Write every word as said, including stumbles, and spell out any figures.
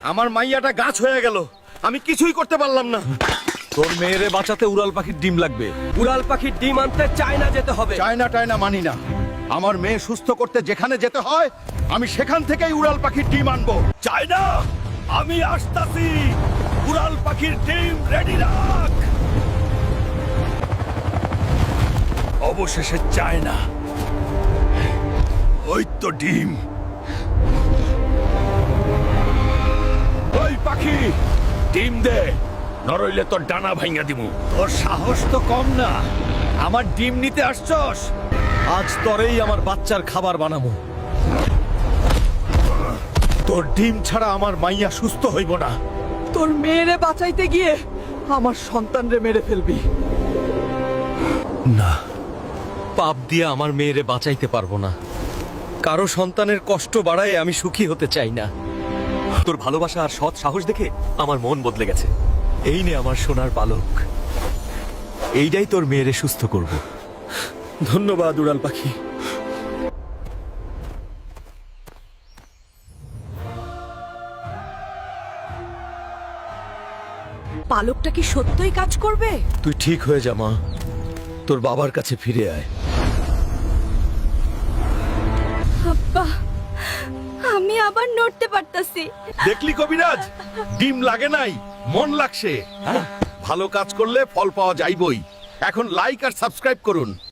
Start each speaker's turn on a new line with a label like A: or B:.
A: আমার মাইয়াটা গাছ হয়ে গেল, আমি কিছুই করতে পারলাম না।
B: তোর মেয়েরে বাঁচাতে উড়াল পাখির ডিম লাগবে।
C: উড়াল পাখির ডিম আনতে চায়না যেতে হবে।
A: চায়না টায়না মানি না। আমার মেয়ে সুস্থ করতে যেখানে যেতে হয় আমি সেখান থেকেই উড়াল পাখির ডিম আনবো।
B: চায়না, আমি আসতাছি। উড়াল পাখির ডিম রেডি রাখ। অবশেষে চায়না, ওই তো ডিম। ওই পাখি, ডিম দে, নরইলে তোর ডানা ভাঙা দিমু। তোর সাহস তো কম না, আমার ডিম নিতে আসছস। আজ তরেই আমার বাচ্চার খাবার বানাবো। তোর ডিম ছাড়া আমার মাইয়া সুস্থ হইব না।
C: তোর মেয়েরে বাঁচাইতে গিয়ে আমার সন্তানরে মেরে ফেলবি।
B: না,
C: পাপ দিয়ে আমার মেয়েরে বাঁচাইতে পারবো না। কারো সন্তানের কষ্ট বাড়ায় আমি সুখী হতে চাই না।
B: তোর ভালোবাসা আর সৎ সাহস দেখে আমার মন বদলে গেছে। এই নে আমার সোনার পালক, এইটাই তোর মেয়েরে সুস্থ করব।
C: ধন্যবাদ উড়াল পাখি।
D: পালকটা কি সত্যই কাজ করবে?
B: তুই ঠিক হয়ে যা মা, তোর বাবার কাছে ফিরে আয়।
D: আব্বা, আমি আবার নড়তে পারতাছি।
A: দেখলি কবিরাজ, ডিম লাগে নাই, মন লাগছে। ভালো কাজ করলে ফল পাওয়া যাইবই। এখন লাইক আর সাবস্ক্রাইব করুন।